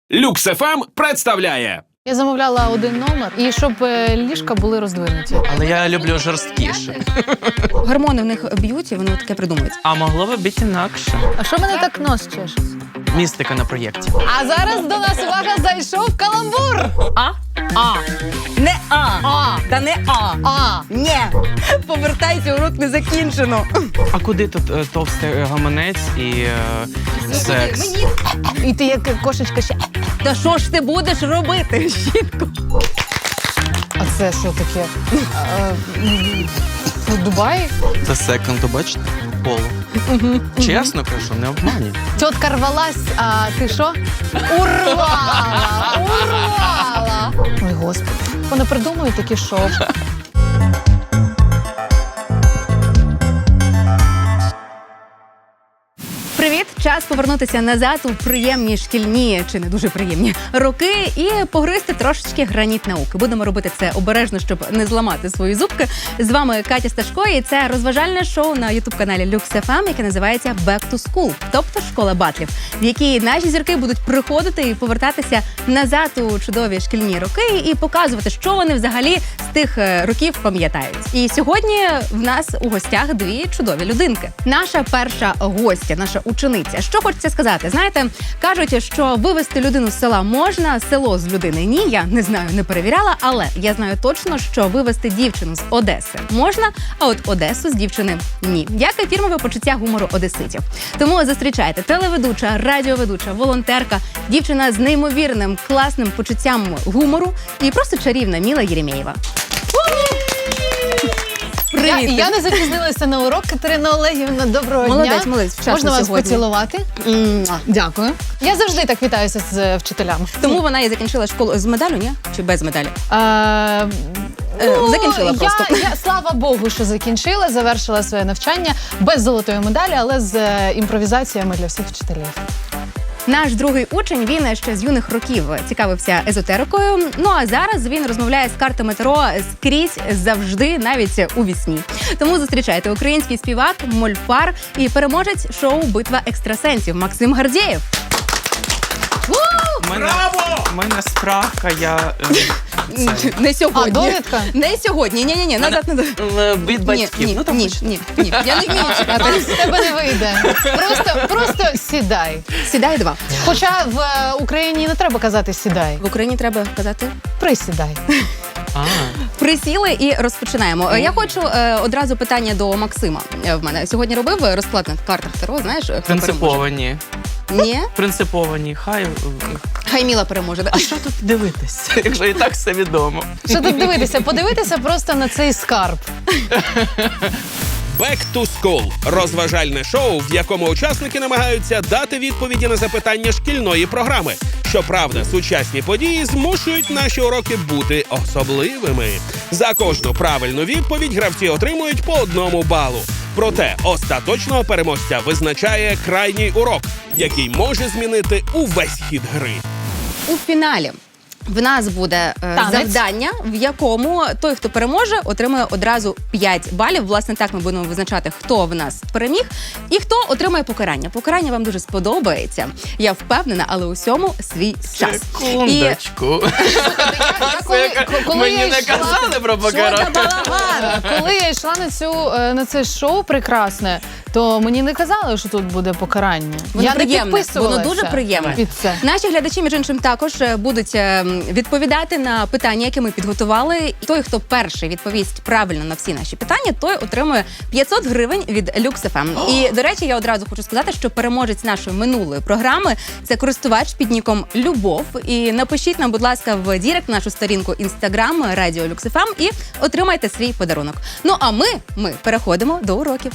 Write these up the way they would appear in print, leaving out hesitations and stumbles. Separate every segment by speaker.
Speaker 1: Люкс ФМ представляє.
Speaker 2: Я замовляла один номер, і щоб ліжка були роздвинуті.
Speaker 3: Але я люблю жорсткіше.
Speaker 4: Гормони в них б'ють, і вони таке придумують.
Speaker 3: А могло би бути інакше.
Speaker 2: А що мене так нос чешеться?
Speaker 3: Містика на проєкті.
Speaker 2: А зараз до нас, увага, зайшов каламбур!
Speaker 4: Не А.
Speaker 2: А.
Speaker 4: Та не А.
Speaker 2: А.
Speaker 4: Ні. Повертайся, урок не закінчено.
Speaker 3: А куди тут товстий гаманець і секс?
Speaker 2: І ти як кошечка ще.
Speaker 4: Та що ж ти будеш робити, жінко?
Speaker 2: А це що таке? Дубай?
Speaker 3: Це секунду, бачите? Поло. Чесно кажу, не обманюй.
Speaker 2: Тітка рвалась, а ти що? Урвала! Урвала! Ой, Господи. Вони придумують такі шоу.
Speaker 4: Привіт! Час повернутися назад у приємні шкільні, чи не дуже приємні, роки і погризти трошечки граніт науки. Будемо робити це обережно, щоб не зламати свої зубки. З вами Катя Сташко, і це розважальне шоу на ютуб-каналі Люкс ФМ, яке називається Back to School, тобто школа батлів, в якій наші зірки будуть приходити і повертатися назад у чудові шкільні роки і показувати, що вони взагалі з тих років пам'ятають. І сьогодні в нас у гостях дві чудові людинки. Наша перша гостя, наша учениця. Що хочеться сказати? Знаєте, кажуть, що вивезти людину з села можна, село з людини ні. Я не знаю, не перевіряла, але я знаю точно, що вивезти дівчину з Одеси можна, а от Одесу з дівчини ні. Як і фірмове почуття гумору одеситів. Тому зустрічайте телеведуча, радіоведуча, волонтерка, дівчина з неймовірним, класним почуттям гумору і просто чарівна Міла Єремєєва. Привіт!
Speaker 2: Я не запізнилася на урок. Катерина Олегівна, доброго дня.
Speaker 4: Молодець, вчасно
Speaker 2: Можна вас
Speaker 4: сьогодні.
Speaker 2: поцілувати? Дякую. Я завжди так вітаюся з вчителями.
Speaker 4: Тому вона і закінчила школу з медалю, ні? Чи без медалі? Закінчила
Speaker 2: я,
Speaker 4: просто.
Speaker 2: Слава Богу, що закінчила, завершила своє навчання без золотої медалі, але з імпровізаціями для всіх вчителів.
Speaker 4: Наш другий учень, він ще з юних років цікавився езотерикою. Ну а зараз він розмовляє з картами Таро скрізь, завжди, навіть у вісні. Тому зустрічайте український співак, мольфар і переможець шоу «Битва екстрасенсів» Максим Гордєєв.
Speaker 3: У мене справка, я...
Speaker 4: Не сьогодні.
Speaker 2: А, довідка?
Speaker 4: Не сьогодні. Ні, назад.
Speaker 3: Від батьків.
Speaker 4: Ні. Я не вмію
Speaker 2: А
Speaker 4: чекати.
Speaker 2: так з тебе не вийде. Просто сідай.
Speaker 4: Сідай 2.
Speaker 2: Хоча в Україні не треба казати «сідай».
Speaker 4: В Україні треба казати
Speaker 2: Присідай.
Speaker 4: «присіли» і розпочинаємо. Я хочу одразу питання до Максима. В мене сьогодні робив розклад на картах Таро, знаєш, хто переможе?
Speaker 3: Принциповані.
Speaker 4: Ні?
Speaker 3: Принциповані.
Speaker 4: Хай Міла переможе.
Speaker 3: А що тут дивитись, якщо і так все відомо?
Speaker 2: Що тут дивитися? Подивитися просто на цей скарб.
Speaker 1: Back to School – розважальне шоу, в якому учасники намагаються дати відповіді на запитання шкільної програми. Щоправда, сучасні події змушують наші уроки бути особливими. За кожну правильну відповідь гравці отримують по 1 балу. Проте остаточного переможця визначає крайній урок, який може змінити увесь хід гри.
Speaker 4: У фіналі в нас буде завдання, в якому той, хто переможе, отримує одразу 5 балів. Власне, так ми будемо визначати, хто в нас переміг і хто отримає покарання. Покарання вам дуже сподобається. Я впевнена, але усьому свій час.
Speaker 3: Секундочку. Мені не казали про покарання.
Speaker 2: Коли я йшла на це шоу прекрасне, то мені не казали, що тут буде покарання.
Speaker 4: Воно
Speaker 2: Я не
Speaker 4: приємне,
Speaker 2: підписувалася.
Speaker 4: воно дуже приємне.
Speaker 2: Під це.
Speaker 4: Наші глядачі, між іншим, також будуть відповідати на питання, які ми підготували. І той, хто перший відповість правильно на всі наші питання, той отримує 500 гривень від Люкс ФМ. І, до речі, я одразу хочу сказати, що переможець нашої минулої програми – це користувач під ніком Любов. І напишіть нам, будь ласка, в дірект нашу сторінку Інстаграм Радіо Люкс ФМ і отримайте свій подарунок. Ну, а ми переходимо до уроків.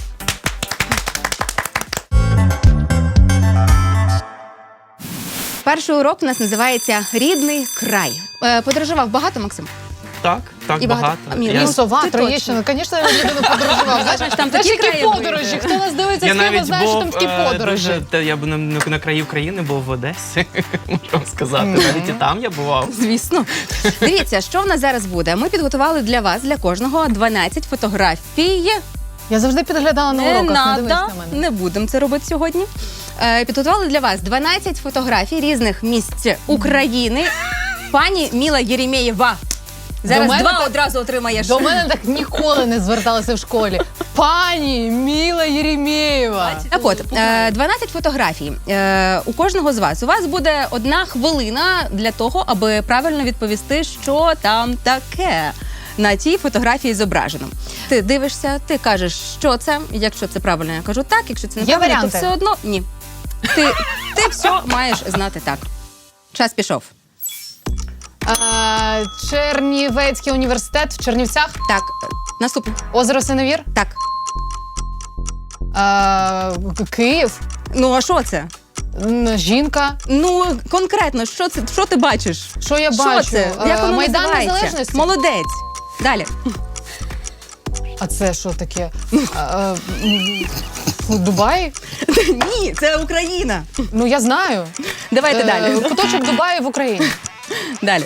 Speaker 4: Перший урок у нас називається «Рідний край». Подорожував багато, Максим?
Speaker 3: Так,
Speaker 4: І багато.
Speaker 3: багато.
Speaker 4: Міла,
Speaker 2: Сова,
Speaker 4: Ти
Speaker 2: Троєщина, звісно, я людину подорожував. Знаєш,
Speaker 4: там
Speaker 2: знаєш,
Speaker 4: такі
Speaker 2: які
Speaker 4: краєвиди.
Speaker 2: подорожі? Хто нас дивиться
Speaker 3: Я
Speaker 2: з Києва,
Speaker 3: навіть
Speaker 2: знає, що там
Speaker 3: був
Speaker 2: такі подорожі.
Speaker 3: я був на краю країни, був в Одесі, можу вам сказати. Навіть і там я бував.
Speaker 4: Звісно. Дивіться, що в нас зараз буде. Ми підготували для вас, для кожного, 12 фотографій
Speaker 2: Я завжди підглядала на
Speaker 4: Не
Speaker 2: уроках, не дивись
Speaker 4: надо,
Speaker 2: на мене.
Speaker 4: не будемо це робити сьогодні. Підготували для вас 12 фотографій різних місць України. Пані Міла Єремєєва. Зараз
Speaker 2: мене
Speaker 4: 2
Speaker 2: так-
Speaker 4: одразу отримаєш.
Speaker 2: До мене так ніколи не зверталися в школі. Пані Міла Єремєєва.
Speaker 4: Так от, 12 фотографій. У кожного з вас. У вас буде 1 хвилина для того, аби правильно відповісти, що там таке на тій фотографії зображено. Ти дивишся, ти кажеш, що це. Якщо це правильно, я кажу так. Якщо це
Speaker 2: Є
Speaker 4: неправильно, то
Speaker 2: варіанти?
Speaker 4: все одно ні. Ти все маєш знати так. Час пішов.
Speaker 2: Чернівецький університет в Чернівцях.
Speaker 4: Так, наступне.
Speaker 2: Озеро Синевір.
Speaker 4: Так.
Speaker 2: Київ.
Speaker 4: Ну, а що це?
Speaker 2: Жінка.
Speaker 4: Ну, конкретно, що це? Що ти бачиш?
Speaker 2: Що я
Speaker 4: Що
Speaker 2: бачу?
Speaker 4: це? Як воно
Speaker 2: Майдан
Speaker 4: називається?
Speaker 2: Незалежності.
Speaker 4: Молодець. Далі.
Speaker 2: А це що таке? Дубай?
Speaker 4: Ні, це Україна.
Speaker 2: Ну, я знаю.
Speaker 4: Давайте далі.
Speaker 2: Куточок Дубаю в Україні.
Speaker 4: Далі.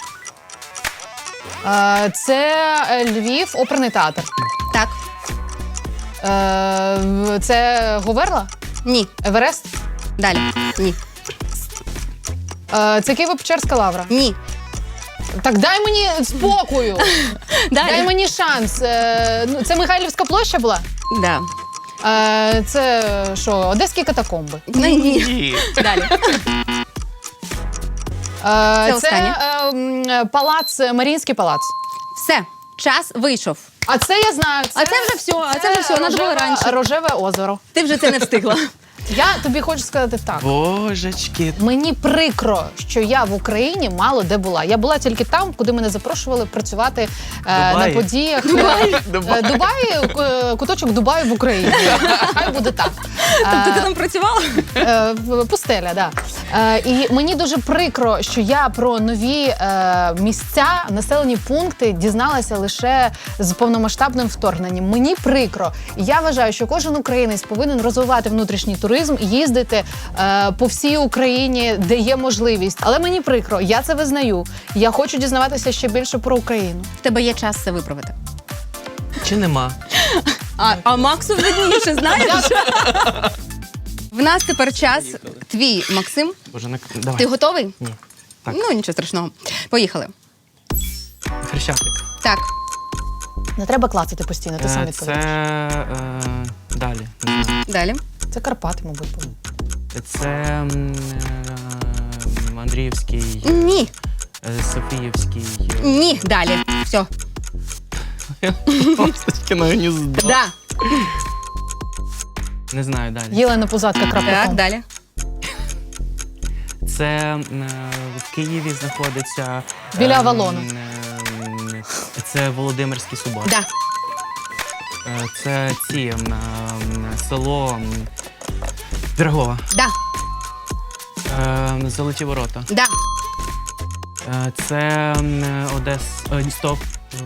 Speaker 2: Це Львів, оперний театр.
Speaker 4: Так.
Speaker 2: Це Говерла?
Speaker 4: Ні.
Speaker 2: Еверест?
Speaker 4: Далі. Ні.
Speaker 2: Це Києво-Печерська лавра.
Speaker 4: Ні.
Speaker 2: Так дай мені спокою. Дай
Speaker 4: Далі.
Speaker 2: мені шанс. Це Михайлівська площа була?
Speaker 4: Да.
Speaker 2: Це що, Одеські катакомби?
Speaker 4: Ні. Далі.
Speaker 2: Це
Speaker 4: останнє.
Speaker 2: палац, Маріїнський палац.
Speaker 4: Все. Час вийшов.
Speaker 2: А це я знаю.
Speaker 4: А це вже все. Надо було раніше.
Speaker 2: Рожеве озеро.
Speaker 4: Ти вже це не встигла.
Speaker 2: Я тобі хочу сказати так.
Speaker 3: Божечки.
Speaker 2: Мені прикро, що я в Україні мало де була. Я була тільки там, куди мене запрошували працювати на
Speaker 3: Дубаї.
Speaker 2: подіях. Дубаї, куточок Дубаю в Україні. Хай буде так.
Speaker 4: Тобто ти там працювала?
Speaker 2: Пустеля, да. І мені дуже прикро, що я про нові місця, населені пункти дізналася лише з повномасштабним вторгненням. Мені прикро. Я вважаю, що кожен українець повинен розвивати внутрішній туризм, їздити по всій Україні, де є можливість. Але мені прикро, я це визнаю. Я хочу дізнаватися ще більше про Україну.
Speaker 4: В тебе є час це виправити.
Speaker 3: Чи нема?
Speaker 4: А Максу видніше, знаєш? В нас тепер час твій, Максим.
Speaker 3: Боже, давай.
Speaker 4: Ти готовий?
Speaker 3: Ні. Так.
Speaker 4: Ну, нічого страшного. Поїхали.
Speaker 3: Хрещатик.
Speaker 4: Так.
Speaker 2: Не треба клацати постійно, ти сам
Speaker 3: Це
Speaker 2: відповідаєш.
Speaker 3: далі. Не знаю.
Speaker 4: Далі.
Speaker 2: Це Карпати, мабуть. були.
Speaker 3: Це Андріївський,
Speaker 4: Ні.
Speaker 3: Софіївський.
Speaker 4: Ні. Далі. Все.
Speaker 3: Кіно гніздо.
Speaker 4: Да.
Speaker 3: Не знаю далі.
Speaker 2: Єлена Пузатка,
Speaker 4: Так,
Speaker 2: крапка.
Speaker 4: далі.
Speaker 3: Це в Києві знаходиться.
Speaker 2: Біля Авалону.
Speaker 3: Це Володимирський Собор.
Speaker 4: Да.
Speaker 3: Це село Пірогова.
Speaker 4: Да.
Speaker 3: Золоті ворота.
Speaker 4: Да.
Speaker 3: Це Стоп.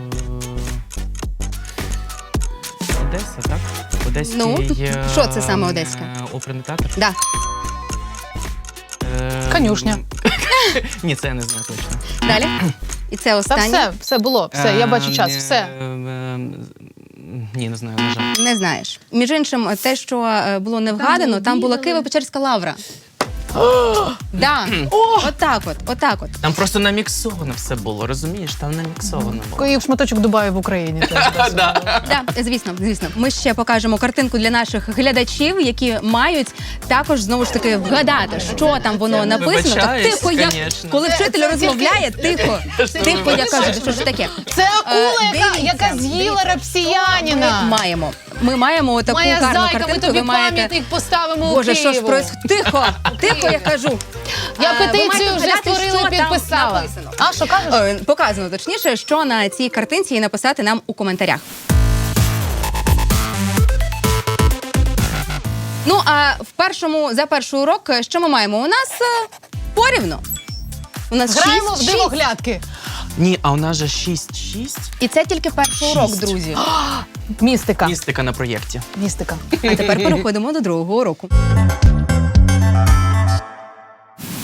Speaker 3: Одеса, так? Одеський.
Speaker 4: Ну, що це саме одеське?
Speaker 3: Оперний театр.
Speaker 4: Да.
Speaker 2: Конюшня.
Speaker 3: Ні, це я не знаю точно.
Speaker 4: Далі. І це
Speaker 2: Та
Speaker 4: останнє.
Speaker 2: все було. Все, я бачу час. Все.
Speaker 3: Ні, не знаю, на жаль.
Speaker 4: Не знаєш. Між іншим, те, що було не вгадано, там була Києво-Печерська лавра. Да. Отак от.
Speaker 3: Там просто наміксовано все було, розумієш? Там наміксовано було.
Speaker 2: І шматочок Дубаю в Україні. теж.
Speaker 4: Да, звісно. Ми ще покажемо картинку для наших глядачів, які мають також знову ж таки вгадати, що там воно написано. Так
Speaker 3: Вибачаюсь,
Speaker 4: тихо, як
Speaker 3: конечно.
Speaker 4: коли вчитель розмовляє, тихо, я кажу, що ж таке.
Speaker 2: Це акула,
Speaker 4: Дивіться,
Speaker 2: яка з'їла репсіянина.
Speaker 4: Ми маємо таку
Speaker 2: Моя
Speaker 4: гарну
Speaker 2: зайка, ми
Speaker 4: картинку.
Speaker 2: тобі
Speaker 4: Ви маєте.
Speaker 2: пам'ятник поставимо у
Speaker 4: Боже, що ж
Speaker 2: Києву.
Speaker 4: происходить? Тихо, я кажу.
Speaker 2: Я
Speaker 4: Ви
Speaker 2: петицію
Speaker 4: маєте
Speaker 2: вже
Speaker 4: вгадати,
Speaker 2: створила
Speaker 4: що
Speaker 2: і
Speaker 4: там
Speaker 2: підписала.
Speaker 4: написано.
Speaker 2: А, що кажеш?
Speaker 4: Показано точніше, що на цій картинці і написати нам у коментарях. Ну, а за перший урок, що ми маємо? У нас порівно. У нас
Speaker 2: Граємо в
Speaker 4: 6.
Speaker 2: дивоглядки.
Speaker 3: Ні, а у нас же 6-6.
Speaker 4: І це тільки перший урок,
Speaker 3: 6.
Speaker 4: друзі.
Speaker 2: Містика.
Speaker 3: Містика на проєкті.
Speaker 2: Містика.
Speaker 4: А тепер переходимо до другого уроку. Другий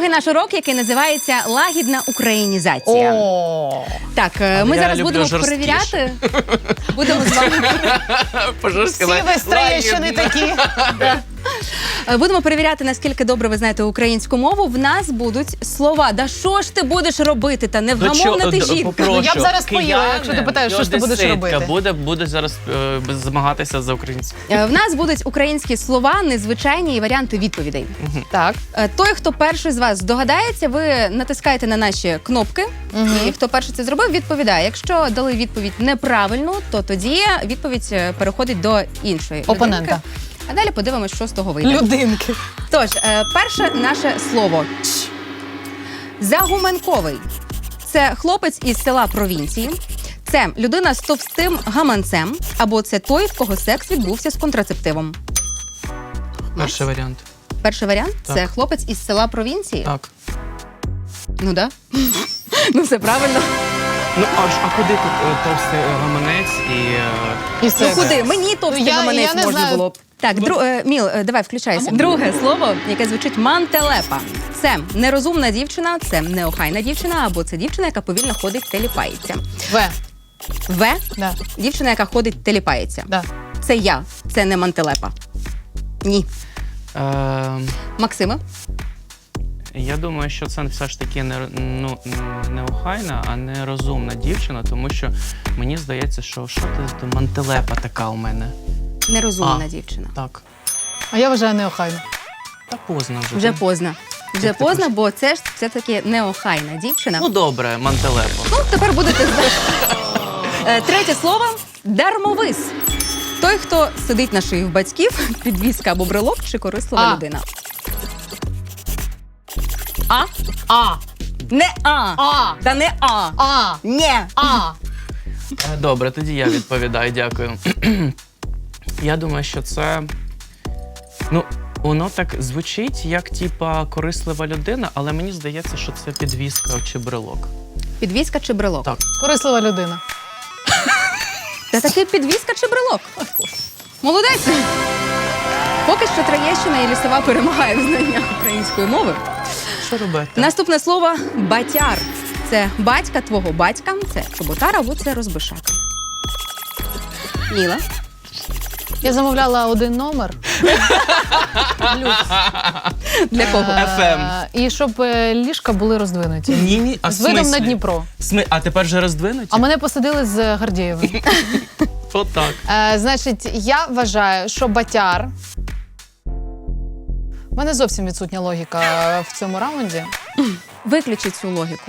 Speaker 4: Другий наш урок, який називається «Лагідна українізація».
Speaker 2: О,
Speaker 4: Так, ми
Speaker 3: я
Speaker 4: зараз
Speaker 3: люблю
Speaker 4: будемо
Speaker 3: жорсткіше.
Speaker 4: перевіряти. Будемо з вами
Speaker 2: всі ви Троєщини такі.
Speaker 4: Будемо перевіряти, наскільки добре ви знаєте українську мову. В нас будуть слова. Да що ж ти будеш робити? Та невгамовна ти жінка.
Speaker 2: Ну, я б зараз поїла, якщо ти питаєш, що ж ти будеш робити.
Speaker 3: Буде зараз змагатися за українську.
Speaker 4: В нас будуть українські слова, незвичайні і варіанти відповідей.
Speaker 2: Так.
Speaker 4: Той, хто перший з вас здогадається, ви натискаєте на наші кнопки, і хто перший це зробив, відповідає. Якщо дали відповідь неправильну, то тоді відповідь переходить до іншої
Speaker 2: Опонента.
Speaker 4: людинки. А далі подивимось, що з того вийде.
Speaker 2: Людинки.
Speaker 4: Тож, перше наше слово. Загуменковий. Це хлопець із села провінції. Це людина з товстим гаманцем, або це той, в кого секс відбувся з контрацептивом.
Speaker 3: Перший варіант.
Speaker 4: Перший варіант
Speaker 3: Так.
Speaker 4: це хлопець із села провінції.
Speaker 3: Так.
Speaker 4: Ну да. Ну все правильно.
Speaker 3: Ну, а куди тут товстий гаманець і...
Speaker 2: І
Speaker 4: Ну
Speaker 2: все.
Speaker 4: куди? Мені товстий
Speaker 2: я
Speaker 4: гаманець
Speaker 2: не
Speaker 4: можна
Speaker 2: знаю.
Speaker 4: було б. Так, Міл, давай включайся. Друге слово, яке звучить мантелепа. Це нерозумна дівчина, це неохайна дівчина, або це дівчина, яка повільно ходить, теліпається.
Speaker 2: В.
Speaker 4: В
Speaker 2: Да.
Speaker 4: дівчина, яка ходить, теліпається.
Speaker 2: Да.
Speaker 4: Це я, це не мантелепа. Ні. Максиме?
Speaker 3: Я думаю, що це все ж таки не охайна, а не розумна дівчина, тому що мені здається, що ти мантелепа така у мене.
Speaker 4: Нерозумна
Speaker 3: А.
Speaker 4: дівчина.
Speaker 3: Так.
Speaker 2: А я вважаю неохайно.
Speaker 3: Та поздно вже.
Speaker 4: Вже поздно. Вже
Speaker 3: Як ти
Speaker 4: поздно, бо це ж все-таки неохайна дівчина.
Speaker 3: Ну добре, мантелепа.
Speaker 4: Ну, тепер будете знати. Третє слово дармовис. Той, хто сидить на шиї в батьків, підвізка або брелок чи корислива
Speaker 2: А.
Speaker 4: людина. А?
Speaker 2: А.
Speaker 4: Не А.
Speaker 2: А.
Speaker 4: Та не А.
Speaker 2: А.
Speaker 4: Не.
Speaker 2: А.
Speaker 3: Добре, тоді я відповідаю, дякую. Я думаю, що це. Ну, воно так звучить, як типа корислива людина, але мені здається, що це підвіска чи брелок.
Speaker 4: Підвізка чи брелок?
Speaker 3: Так.
Speaker 2: Корислива людина.
Speaker 4: Та таки підвізка чи брелок? Молодець! Поки що Троєщина і Лісова перемагає в знаннях української мови.
Speaker 3: Що робити?
Speaker 4: Наступне слово батяр. Це батька твого батька, це чоботар або це розбишака. Міла.
Speaker 2: Я замовляла один номер. Люкс.
Speaker 4: Для кого?
Speaker 3: FM.
Speaker 2: І щоб ліжка були роздвинуті.
Speaker 3: Ні, а
Speaker 2: З видом на Дніпро.
Speaker 3: А тепер вже роздвинуті?
Speaker 2: А мене посадили з Гордієвим.
Speaker 3: Отак.
Speaker 2: Значить, я вважаю, що батяр. У мене зовсім відсутня логіка в цьому раунді.
Speaker 4: Виключіть цю логіку.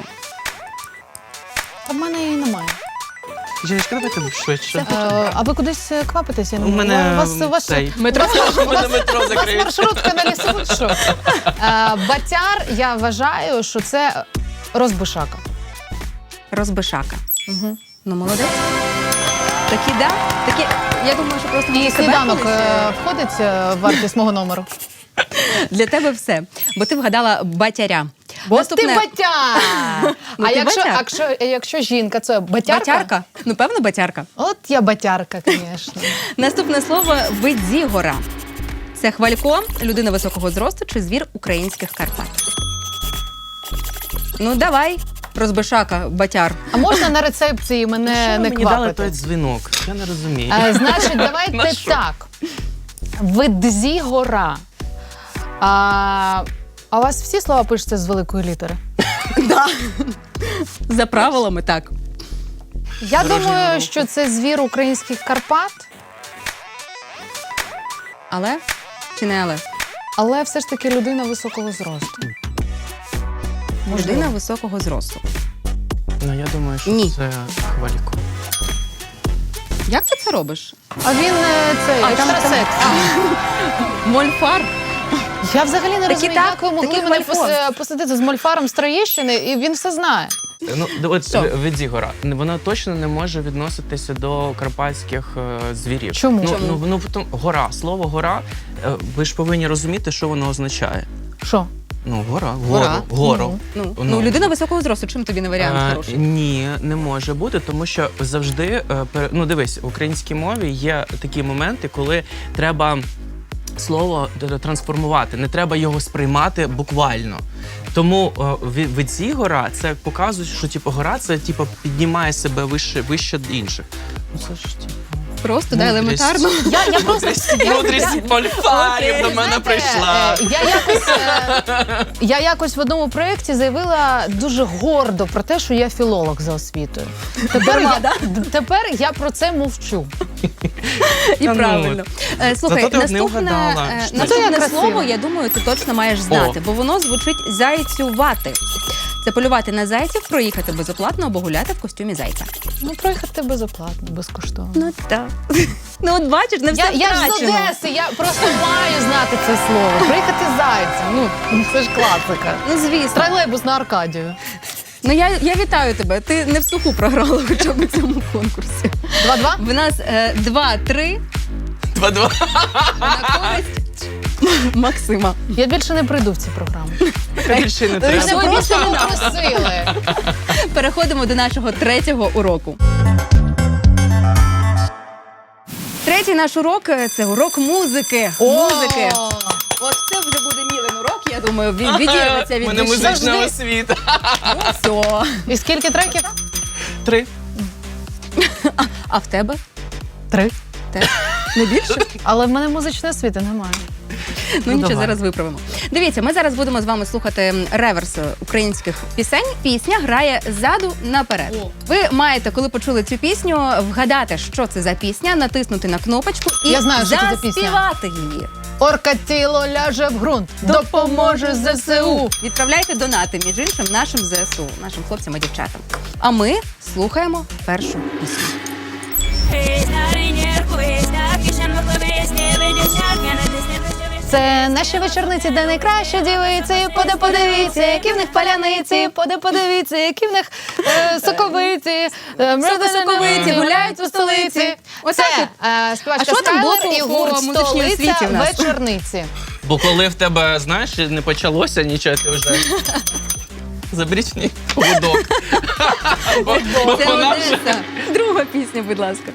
Speaker 2: А в мене її немає.
Speaker 3: Жіночка, давайте швидше.
Speaker 2: А ви кудись квапитесь? Я не
Speaker 3: У мене
Speaker 2: у вас
Speaker 3: цей.
Speaker 4: Метро.
Speaker 3: У мене метро
Speaker 2: у вас
Speaker 3: закриють.
Speaker 2: маршрутка на лісову, чи що? Батяр, я вважаю, що це розбишака.
Speaker 4: Розбишака.
Speaker 2: Угу.
Speaker 4: Ну, молодець. Такі, да? Такі, я думаю, що просто
Speaker 2: І
Speaker 4: ми себе
Speaker 2: сніданок
Speaker 4: колись,
Speaker 2: входить в вартість мого номеру.
Speaker 4: для тебе все. Бо ти вгадала батяря.
Speaker 2: Бо ти батяр!
Speaker 4: Ну,
Speaker 2: А
Speaker 4: ти батяр.
Speaker 2: якщо жінка, це батярка?
Speaker 4: Батярка? Ну, певно, батярка.
Speaker 2: От я батярка, звісно.
Speaker 4: Наступне слово видзігора. Це хвалько, людина високого зросту чи звір українських Карпат. Ну, давай, розбишака, батяр.
Speaker 2: А можна на рецепції мене
Speaker 3: Що
Speaker 2: не
Speaker 3: мені дали той
Speaker 2: квапити?
Speaker 3: дзвінок? Я не розумію.
Speaker 2: Значить,
Speaker 3: На
Speaker 2: давайте
Speaker 3: що?
Speaker 2: так. Видзігора. А у вас всі слова пишуться з великої літери?
Speaker 4: Да. За правилами, так.
Speaker 2: Я
Speaker 3: Дорожнього
Speaker 2: думаю,
Speaker 3: руху.
Speaker 2: що це звір українських Карпат,
Speaker 4: Але чи не але?
Speaker 2: але все ж таки людина високого зросту. Можливо.
Speaker 4: Людина високого зросту.
Speaker 3: Ну, я думаю, що
Speaker 4: Ні.
Speaker 3: це хвалько.
Speaker 4: Як ти це робиш?
Speaker 2: А він цей
Speaker 4: там-
Speaker 2: екстрасекс.
Speaker 4: Мольфар.
Speaker 2: Я взагалі не
Speaker 4: Такі
Speaker 2: розумію,
Speaker 4: так,
Speaker 2: як ви могли
Speaker 4: такий
Speaker 2: мене
Speaker 4: хвалько.
Speaker 2: посадити з мольфаром з Троєщини, і він все знає.
Speaker 3: Ну, от
Speaker 4: Що?
Speaker 3: Видзігора. Вона точно не може відноситися до карпатських звірів.
Speaker 2: Чому?
Speaker 3: Ну,
Speaker 4: Чому?
Speaker 3: ну, тому гора. Слово гора, ви ж повинні розуміти, що воно означає.
Speaker 2: Що?
Speaker 3: Ну, гора,
Speaker 4: Гора.
Speaker 3: гору.
Speaker 4: Ну, людина високого зросту. Чим тобі не варіант хороший?
Speaker 3: Ні, не може бути, тому що завжди, ну дивись, в українській мові є такі моменти, коли треба слово трансформувати, не треба його сприймати буквально. Тому від ці гора це показує, що типу, гора це типу, піднімає себе вище інших. Ну це ж типу.
Speaker 4: Просто, да,
Speaker 3: Мудрість.
Speaker 4: елементарно.
Speaker 2: Я просто
Speaker 3: Мудрість мольфарів до мене прийшла.
Speaker 2: Я якось в одному проєкті заявила дуже гордо про те, що я філолог за освітою. Тепер я про це мовчу.
Speaker 4: І
Speaker 3: Та ну,
Speaker 4: правильно. Слухай,
Speaker 3: зато ти не вгадала.
Speaker 4: наступне
Speaker 2: красиво.
Speaker 4: слово, я думаю, ти точно маєш знати, бо воно звучить зайцювати. Це полювати на зайців, проїхати безоплатно або гуляти в костюмі зайця.
Speaker 2: Ну, проїхати безоплатно, безкоштовно.
Speaker 4: Ну так. Ну от бачиш, не все
Speaker 2: Я ж з
Speaker 4: втрачено.
Speaker 2: Одеси, я просто маю знати це слово. Приїхати зайцем. Ну, це ж класика.
Speaker 4: Ну звісно.
Speaker 2: Тролейбус на Аркадію.
Speaker 4: Ну я вітаю тебе. Ти не в суху програла хоча б у цьому конкурсі.
Speaker 2: 2-2?
Speaker 4: В нас 2-3
Speaker 3: 2-2.
Speaker 4: на користь Максима.
Speaker 2: Я більше не прийду в ці програми.
Speaker 3: Більше не
Speaker 2: Ви
Speaker 3: треба.
Speaker 2: мене просто не просили.
Speaker 4: Переходимо до нашого третього уроку. Третій наш урок – це урок музики. Музики. От це вже буде Мілин урок, я думаю, відірветься від
Speaker 3: У мене
Speaker 4: душі.
Speaker 3: музична освіта.
Speaker 4: Ну, все.
Speaker 2: І скільки треків?
Speaker 3: 3.
Speaker 4: А в тебе?
Speaker 2: 3.
Speaker 4: Не більше?
Speaker 2: Але в мене музичної освіти немає.
Speaker 4: Ну нічого,
Speaker 3: давай.
Speaker 4: зараз виправимо. Дивіться, ми зараз будемо з вами слухати реверс українських пісень. Пісня грає ззаду наперед. Ви маєте, коли почули цю пісню, вгадати, що це за пісня, натиснути на кнопочку і
Speaker 2: Я знаю, що це за пісня.
Speaker 4: заспівати її.
Speaker 2: Орка тіло ляже в ґрунт, допоможе ЗСУ.
Speaker 4: Відправляйте донати, між іншим, нашим ЗСУ, нашим хлопцям і дівчатам. А ми слухаємо першу пісню.
Speaker 2: Це наші вечорниці, де найкраще дівиці. Подивіться, які в них паляниці. Подивіться, які в них соковиті.
Speaker 4: Соковиті, гуляють у столиці.
Speaker 2: Це
Speaker 4: А
Speaker 2: співачка
Speaker 4: що там було
Speaker 2: Скайлер і
Speaker 4: по
Speaker 2: гурт
Speaker 4: музичній
Speaker 2: «Столиця
Speaker 4: освіті в нас?
Speaker 2: вечорниці».
Speaker 3: Бо коли в тебе, знаєш, не почалося нічого, ти вже заберіть мені поводок. Бо
Speaker 4: Це
Speaker 3: вона вже...
Speaker 4: Одеса. Друга пісня, будь ласка.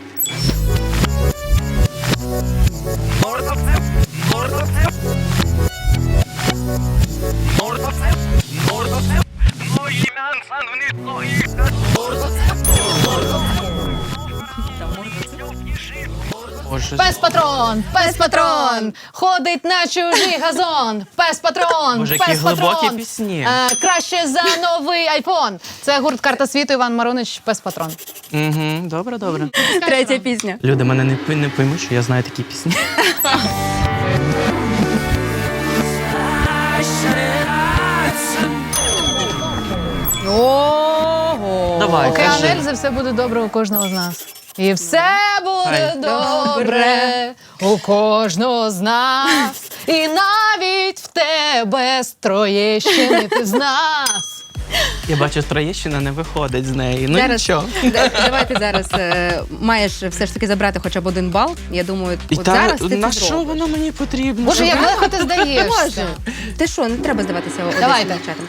Speaker 3: Боже,
Speaker 2: Пес патрон, ходить на чужий газон. Пес патрон,
Speaker 3: Боже, які
Speaker 2: пес
Speaker 3: глибокі
Speaker 2: патрон.
Speaker 3: пісні.
Speaker 2: Краще за новий айфон. Це гурт «Карта світу», Іван Марунич, пес патрон.
Speaker 3: Угу, добре, добре.
Speaker 4: Третя пісня.
Speaker 3: Люди мене не поймуть, що я знаю такі пісні.
Speaker 4: Ого.
Speaker 3: Давай,
Speaker 2: Океан
Speaker 3: кажи.
Speaker 2: Ельзи, все буде добре у кожного з нас. І все буде
Speaker 3: Хай.
Speaker 2: добре у кожного з нас. І навіть в тебе з Троєщини ти з нас.
Speaker 3: Я бачу, Троєщина не виходить з неї. Ну
Speaker 4: Зараз,
Speaker 3: нічого.
Speaker 4: давай ти зараз маєш все ж таки забрати хоча б 1 бал. Я думаю, от зараз ти
Speaker 3: на
Speaker 4: це
Speaker 3: що
Speaker 4: зробиш.
Speaker 3: воно мені потрібно?
Speaker 2: Боже, як легко ти
Speaker 4: Боже,
Speaker 2: здаєшся.
Speaker 4: ти що, не треба здаватися одеським
Speaker 2: Давайте.
Speaker 4: дівчатам.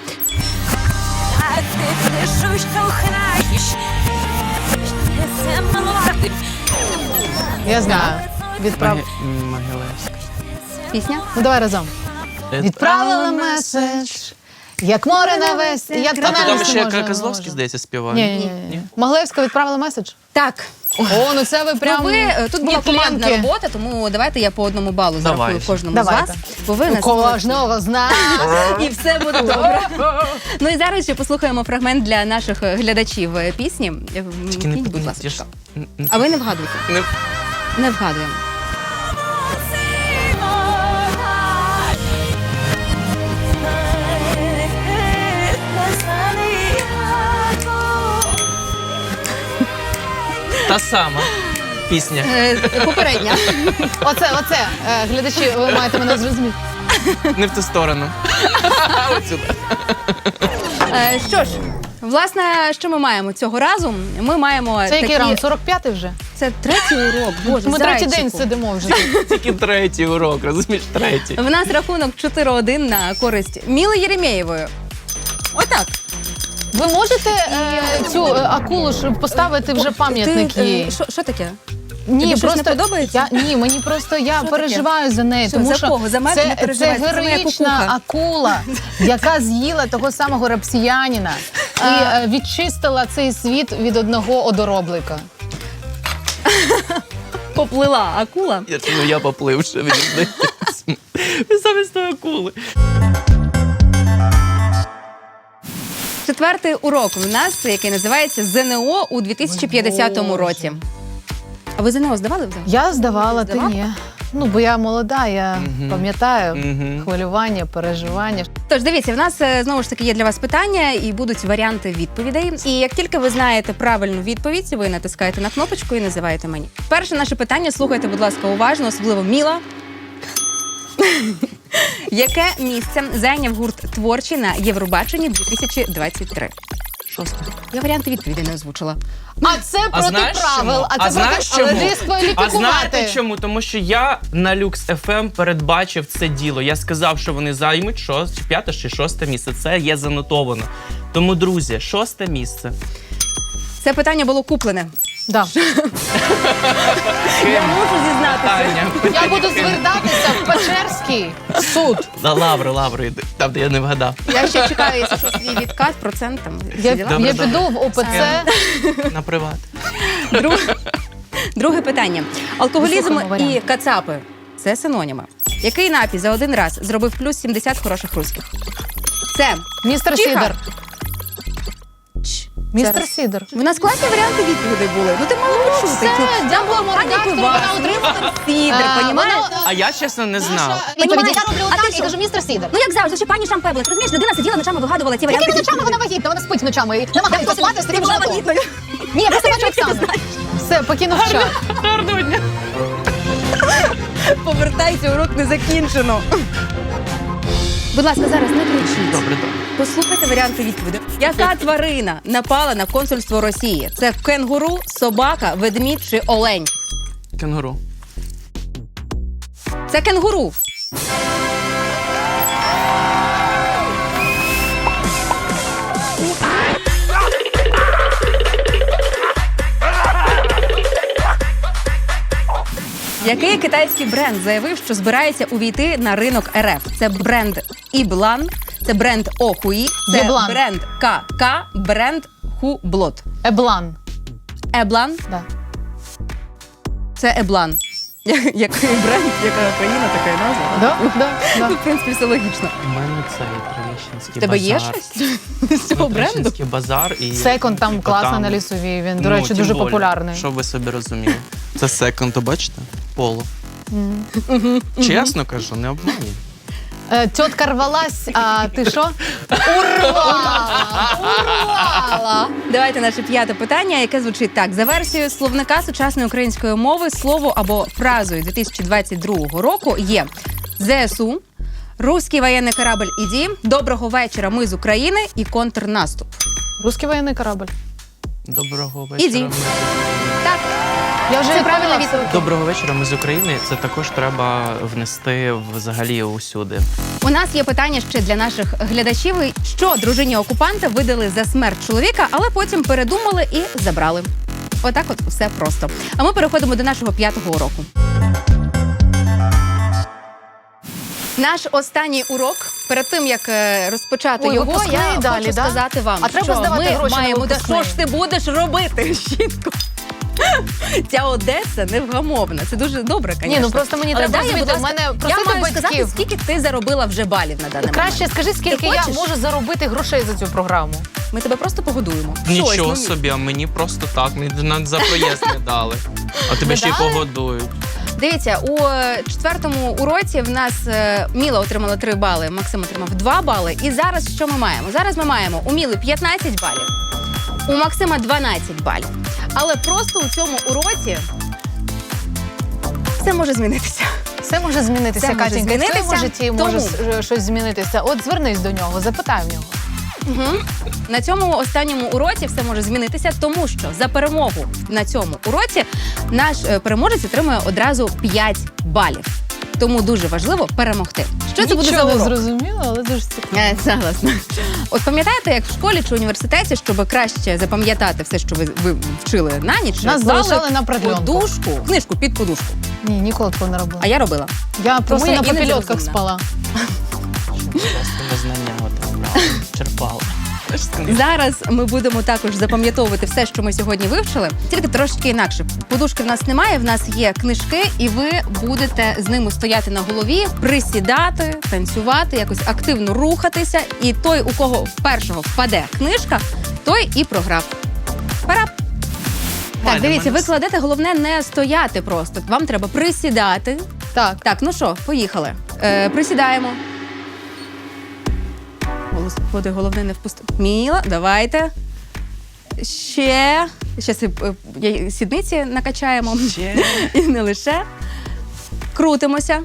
Speaker 2: Я знаю.
Speaker 3: Могилевська.
Speaker 4: Пісня?
Speaker 2: Ну давай разом. Відправила меседж, як море на весь. Я
Speaker 3: А то
Speaker 2: тональність
Speaker 3: там
Speaker 2: не
Speaker 3: ще
Speaker 2: можу,
Speaker 3: Козловський,
Speaker 2: не
Speaker 3: здається, співає.
Speaker 2: можу. Ні. Моглевська відправила меседж?
Speaker 4: Так.
Speaker 2: О, ну це ви прям...
Speaker 4: Ну, ви, тут була командна
Speaker 2: Нетленки.
Speaker 4: робота, тому давайте я по 1 балу зарахую
Speaker 3: Давай.
Speaker 4: кожному
Speaker 2: Давайте.
Speaker 4: з вас. Бо ви
Speaker 2: У
Speaker 4: нас
Speaker 2: кожного з нас.
Speaker 4: і все буде добре. Ну і зараз ще послухаємо фрагмент для наших глядачів пісні.
Speaker 3: Тільки не
Speaker 4: Вмкніть, будь
Speaker 3: я ж-
Speaker 4: ласка. А ви не вгадуєте?
Speaker 3: не-
Speaker 4: Не вгадуємо.
Speaker 3: Та сама пісня.
Speaker 4: Попередня.
Speaker 2: Оце, глядачі, ви маєте мене зрозуміти.
Speaker 3: Не в ту сторону. Отсюди.
Speaker 4: Що ж, власне, що ми маємо цього разу? Ми маємо
Speaker 2: Це який раунд? 45-й вже?
Speaker 4: Це третій урок. Боже,
Speaker 2: Ми третій день
Speaker 4: зайчику.
Speaker 2: сидимо вже.
Speaker 3: Тільки третій урок, розумієш, третій.
Speaker 4: В нас рахунок 4-1 на користь Міли Єремєєвої. Отак.
Speaker 2: Ви можете цю акулу ж поставити вже пам'ятник
Speaker 4: Ти,
Speaker 2: їй?
Speaker 4: Що таке?
Speaker 2: Ні,
Speaker 4: Тобі щось
Speaker 2: просто
Speaker 4: не подобається?
Speaker 2: Ні, мені просто я
Speaker 4: Що
Speaker 2: переживаю за неї,
Speaker 4: Що,
Speaker 2: тому
Speaker 4: за
Speaker 2: що
Speaker 4: кого? За мене не
Speaker 2: це
Speaker 4: переживай, це за моя
Speaker 2: героїчна
Speaker 4: кукуха.
Speaker 2: акула, яка з'їла того самого рапсіянина і відчистила цей світ від одного одороблика.
Speaker 4: Поплила акула.
Speaker 3: Я поплив, що мені здається. Замість тої акули.
Speaker 4: Четвертий урок у нас, який називається ЗНО у 2050 році. А ви ЗНО здавали взагалі?
Speaker 2: Я здавала, ти
Speaker 4: Здавала?
Speaker 2: ні. Ну, бо я молода, я пам'ятаю
Speaker 3: Мгм.
Speaker 2: хвилювання, переживання.
Speaker 4: Тож дивіться, в нас знову ж таки є для вас питання і будуть варіанти відповідей. І як тільки ви знаєте правильну відповідь, ви натискаєте на кнопочку і називаєте мені. Перше наше питання, слухайте, будь ласка, уважно, особливо Міла. Яке місце зайняв гурт творчий на Євробаченні 2023?
Speaker 3: Шосте.
Speaker 4: Я варіанти відповідей не озвучила.
Speaker 2: А це проти правил, а це проти але дискваліфікувати.
Speaker 3: А знаєте чому? Тому що я на Lux FM передбачив це діло. Я сказав, що вони займуть 5 чи 6 місце. Це є занотовано. Тому, друзі, 6 місце.
Speaker 4: Це питання було куплене.
Speaker 2: Да.
Speaker 4: Я можу зізнатися.
Speaker 3: Таня.
Speaker 2: Я буду звертатися в Печерський суд.
Speaker 3: На лаври йди. Там, де я не вгадав.
Speaker 4: Я ще чекаю, якщо що, свій відкат, процент там. всі
Speaker 2: Я,
Speaker 4: діла.
Speaker 3: Добре,
Speaker 2: я
Speaker 3: добре.
Speaker 2: піду в ОПЦ.
Speaker 3: На приват.
Speaker 4: Друге питання. Алкоголізм
Speaker 2: Слухаємо
Speaker 4: і
Speaker 2: варіанти.
Speaker 4: кацапи – це синоніми. Який напій за один раз зробив плюс 70 хороших руських? Це
Speaker 2: Містер
Speaker 4: Тихо.
Speaker 2: Сідор. Містер
Speaker 4: Зараз.
Speaker 2: Сідор.
Speaker 4: У нас класні варіанти відповідей були. Ну ти мала почути.
Speaker 2: Все, дякую,
Speaker 4: Аня
Speaker 2: редактору,
Speaker 4: Пивас,
Speaker 2: вона отримала.
Speaker 4: Сідр, понімаєш?
Speaker 3: А я, чесно, не знав.
Speaker 2: Відповіді я роблю
Speaker 4: А ти
Speaker 2: так і
Speaker 4: що?
Speaker 2: кажу містер Сідор.
Speaker 4: Ну як завжди, ще пані Шампеблик. Розумієш, людина сиділа ночами, вигадувала ці варіанти.
Speaker 2: Якими ночами вона вагітна? Вона спить ночами і намагається спати з
Speaker 4: Ти
Speaker 2: таким
Speaker 4: була
Speaker 2: животом.
Speaker 4: вагітною.
Speaker 2: Ні, я просто бачу Оксану. Все, покинув чат.
Speaker 3: Гарного дня.
Speaker 4: Повертайся, урок не закінчено. Будь ласка, зараз не кричіть.
Speaker 3: Добре, добре.
Speaker 4: Послухайте варіанти відповіді. Яка тварина напала на консульство Росії? Це кенгуру, собака, ведмідь чи олень?
Speaker 3: Кенгуру.
Speaker 4: Це кенгуру. Який китайський бренд заявив, що збирається увійти на ринок РФ? Це бренд Іблан, це бренд Охуї, це
Speaker 2: Єблан.
Speaker 4: бренд КК, бренд Хублот.
Speaker 2: Еблан.
Speaker 4: Еблан
Speaker 2: Да.
Speaker 4: це Еблан. Який бренд, яка країна, така і назва.
Speaker 2: Да? Да,
Speaker 4: Ну,
Speaker 2: да.
Speaker 4: в принципі, все логічно.
Speaker 3: У мене цей Троєщинський
Speaker 4: В тебе є
Speaker 3: базар.
Speaker 4: щось з цього бренду?
Speaker 3: Троєщинський базар і...
Speaker 2: Секонд там
Speaker 3: типу,
Speaker 2: класний
Speaker 3: там-
Speaker 2: на Лісовій. Він, до
Speaker 3: Ну,
Speaker 2: речі,
Speaker 3: тим
Speaker 2: дуже
Speaker 3: более,
Speaker 2: популярний.
Speaker 3: Щоб ви собі розуміли. Це секонд, бачите? Поло. Чесно кажу, не обманюй.
Speaker 2: Тітка рвалась, а ти що? Урвала!
Speaker 4: Давайте наше п'яте питання, яке звучить так. За версією словника сучасної української мови, слово або фразою 2022 року є ЗСУ, «Руський воєнний корабль іді», «Доброго вечора, ми з України» і «Контрнаступ».
Speaker 2: Русський воєнний корабль.
Speaker 3: Доброго вечора.
Speaker 4: Іди.
Speaker 3: ми з-
Speaker 4: Так,
Speaker 2: Я вже
Speaker 4: Це правильна
Speaker 2: відповіла.
Speaker 4: відповідь.
Speaker 3: Доброго вечора, ми з України. Це також треба внести взагалі усюди.
Speaker 4: у нас є питання ще для наших глядачів. Що дружині окупанта видали за смерть чоловіка, але потім передумали і забрали. Отак от все просто. А ми переходимо до нашого п'ятого уроку. Наш останній урок, перед тим як розпочати
Speaker 2: Ой,
Speaker 4: його,
Speaker 2: випускний
Speaker 4: я
Speaker 2: далі,
Speaker 4: хочу
Speaker 2: да?
Speaker 4: сказати вам,
Speaker 2: А треба
Speaker 4: що
Speaker 2: здавати
Speaker 4: ми
Speaker 2: гроші на
Speaker 4: маємо. Та
Speaker 2: випускний.
Speaker 4: що ж ти будеш робити, щітко? Ця Одеса невгамовна. Це дуже добре, звісно.
Speaker 2: Ні, ну просто мені
Speaker 4: Але
Speaker 2: треба
Speaker 4: дай,
Speaker 2: звідти.
Speaker 4: будь
Speaker 2: В
Speaker 4: ласка,
Speaker 2: мене
Speaker 4: я
Speaker 2: просити
Speaker 4: маю сказати,
Speaker 2: батьків.
Speaker 4: скільки ти заробила вже балів на даний
Speaker 2: Краще
Speaker 4: момент.
Speaker 2: скажи, скільки я
Speaker 4: хочеш?
Speaker 2: можу заробити грошей за цю програму.
Speaker 4: Ми тебе просто погодуємо. Щось,
Speaker 3: Нічого
Speaker 4: ну,
Speaker 3: собі, а мені просто так. Мені навіть за проїзд не дали. А тебе
Speaker 2: Не
Speaker 3: ще й
Speaker 2: дали?
Speaker 3: погодують.
Speaker 4: Дивіться, у четвертому уроці в нас Міла отримала 3 бали, Максим отримав 2 бали. І зараз що ми маємо? Зараз ми маємо у Міли 15 балів, у Максима 12 балів. Але просто у цьому уроці все може змінитися.
Speaker 2: Все може змінитися,
Speaker 4: Все може
Speaker 2: Катенька. І в
Speaker 4: змінитися,
Speaker 2: твоєму житті може
Speaker 4: тому-
Speaker 2: щось змінитися. От звернись до нього, запитай в нього.
Speaker 4: Угу. На цьому останньому уроці все може змінитися, тому що за перемогу на цьому уроці наш переможець отримує одразу 5 балів. Тому дуже важливо перемогти. Що це буде за
Speaker 2: Нічого не
Speaker 4: урок?
Speaker 2: зрозуміло, але дуже цікаво.
Speaker 4: Согласна. От пам'ятаєте, як в школі чи університеті, щоб краще запам'ятати все, що ви вчили на ніч,
Speaker 2: Нас
Speaker 4: клали
Speaker 2: залишали на продленку.
Speaker 4: подушку, книжку під подушку.
Speaker 2: Ні, ніколи такого не робила.
Speaker 4: А я робила.
Speaker 2: Я просто
Speaker 4: я
Speaker 2: на
Speaker 4: іноді
Speaker 2: попільотках
Speaker 4: розумна.
Speaker 2: спала.
Speaker 3: Просто незнання от черпала.
Speaker 4: Зараз ми будемо також запам'ятовувати все, що ми сьогодні вивчили, тільки трошки інакше. Подушки в нас немає, в нас є книжки, і ви будете з ними стояти на голові, присідати, танцювати, якось активно рухатися. І той, у кого першого впаде книжка, той і програв. Пора. Так, дивіться, ви кладете, головне не стояти просто. Вам треба присідати.
Speaker 2: Так.
Speaker 4: Так, ну що, поїхали. Присідаємо. Господи, головне не впустити. Міла, давайте. Ще. Щас сідниці накачаємо.
Speaker 3: Ще.
Speaker 4: І не лише. Крутимося.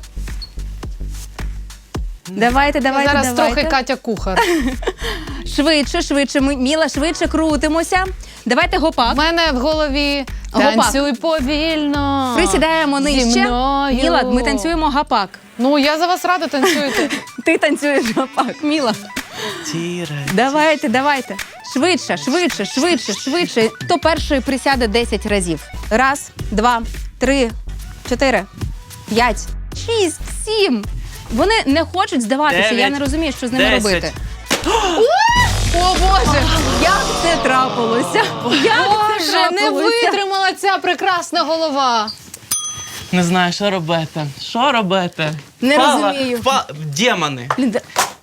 Speaker 4: Давайте.
Speaker 2: Зараз трохи Катя кухар.
Speaker 4: Швидше. Міла, швидше крутимося. Давайте
Speaker 2: У
Speaker 4: гопак.
Speaker 2: мене в голові
Speaker 4: Гопак.
Speaker 2: танцюй повільно.
Speaker 4: Присідаємо
Speaker 2: Зі
Speaker 4: нижче.
Speaker 2: мною.
Speaker 4: Міла, ми танцюємо гопак.
Speaker 2: Ну, я за вас рада танцюєте.
Speaker 4: Ти танцюєш гопак, Міла.
Speaker 3: Тіре.
Speaker 4: Давайте. Швидше. Хто перший присяде 10 разів? 1, 2, 3, 4, 5, 6, 7. Вони не хочуть здаватися.
Speaker 3: 9,
Speaker 4: Я не розумію, що з ними
Speaker 3: 10.
Speaker 4: робити.
Speaker 2: О, Боже!
Speaker 4: Як це трапилося? Як
Speaker 2: Боже,
Speaker 4: це
Speaker 2: не
Speaker 4: трапилося?
Speaker 2: витримала ця прекрасна голова.
Speaker 3: Не знаю, що робити. Що робити?
Speaker 4: Не розумію.
Speaker 3: Демони.
Speaker 4: Блін,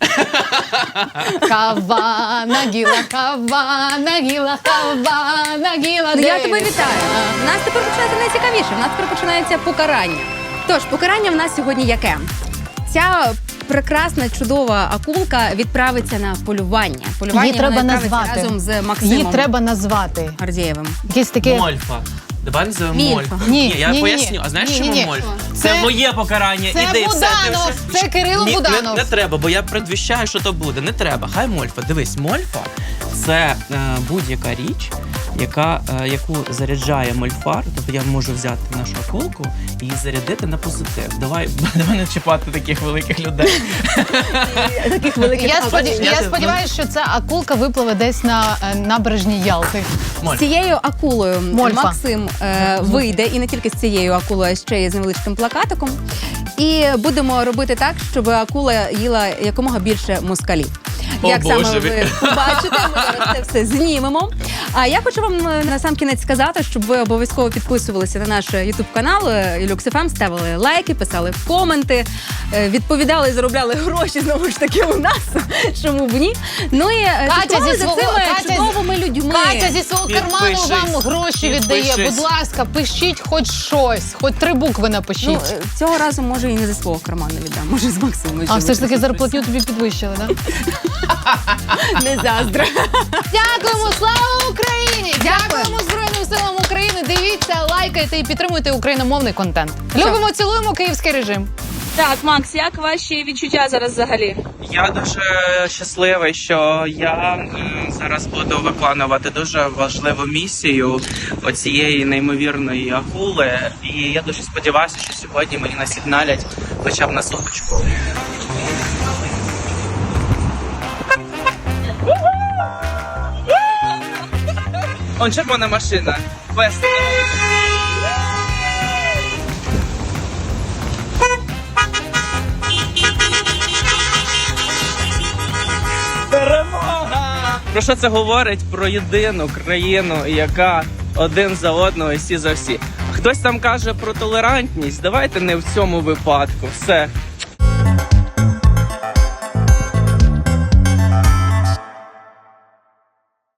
Speaker 2: Кава, нагіла, кава, нагіла, кава, нагіла.
Speaker 4: Ну, я тебе вітаю. У нас тепер починається найцікавіше. У нас тепер починається покарання. Тож, покарання в нас сьогодні яке? Ця прекрасна, чудова акулка відправиться на полювання.
Speaker 2: Її треба
Speaker 4: вона відправиться
Speaker 2: назвати.
Speaker 4: разом з Максимом
Speaker 2: Її треба назвати.
Speaker 4: Гордієвим.
Speaker 2: Якесь таке...
Speaker 3: Мольфа. Давай називаємо
Speaker 4: Мільфа.
Speaker 3: Мольфа.
Speaker 2: Ні,
Speaker 3: я
Speaker 2: ні,
Speaker 3: поясню.
Speaker 2: ні.
Speaker 3: А знаєш,
Speaker 2: Ні,
Speaker 3: чому
Speaker 2: ні, ні.
Speaker 3: Мольфа?
Speaker 2: Це-
Speaker 3: Це моє покарання.
Speaker 2: Це
Speaker 3: Іди, все, ти
Speaker 2: Буданов,
Speaker 3: вже...
Speaker 2: це Кирило
Speaker 3: Ні,
Speaker 2: Буданов.
Speaker 3: Не треба, бо я предвіщаю, що то буде. Не треба. Хай Мольфа. Дивись, Мольфа – це будь-яка річ, яку заряджає мольфар. Тобто я можу взяти нашу акулку і її зарядити на позитив. Давай не чіпати таких великих людей.
Speaker 4: Таких великих
Speaker 2: Я
Speaker 3: Я-
Speaker 2: сподіваюся, що ця акулка випливе десь на набережній Ялти.
Speaker 3: Мольфа.
Speaker 4: З цією акулою
Speaker 2: Мольфа.
Speaker 4: Максим вийде, і не тільки з цією акулою, а ще й з невеличким плакатиком. І будемо робити так, щоб акула їла якомога більше москалів.
Speaker 3: О,
Speaker 4: Як саме
Speaker 3: Боже.
Speaker 4: ви побачите, ми зараз це все знімемо. А я хочу вам на сам кінець сказати, щоб ви обов'язково підписувалися на наш YouTube канал Люкс.ФМ, ставили лайки, писали коменти, відповідали і заробляли гроші знову ж таки у нас. Чому б ні? Ну і слідкували за цими чудовими людьми.
Speaker 2: Катя зі свого карману
Speaker 3: Підпишись.
Speaker 2: вам гроші віддає.
Speaker 3: Підпишись.
Speaker 2: Будь ласка, пишіть хоч щось, хоч 3 букви напишіть.
Speaker 4: Ну, цього разу, може, і не зі свого карману віддам, може, з Максимом.
Speaker 2: А все ж таки зарплатню тобі підвищили, так?
Speaker 4: Не заздра.
Speaker 2: Дякуємо, слава Україні! Дякуємо Збройним силам України. Дивіться, лайкайте і підтримуйте україномовний контент. Любимо, цілуємо київський режим.
Speaker 5: Так, Макс, як ваші відчуття зараз взагалі?
Speaker 3: Я дуже щасливий, що я зараз буду виконувати дуже важливу місію оцієї неймовірної акули. І я дуже сподіваюся, що сьогодні мені насигналять хоча б на суточку. Он червона машина. Весело. Перемога! Про що це говорить? Про єдину країну, яка один за одного і всі за всі. Хтось там каже про толерантність. Давайте не в цьому випадку. Все.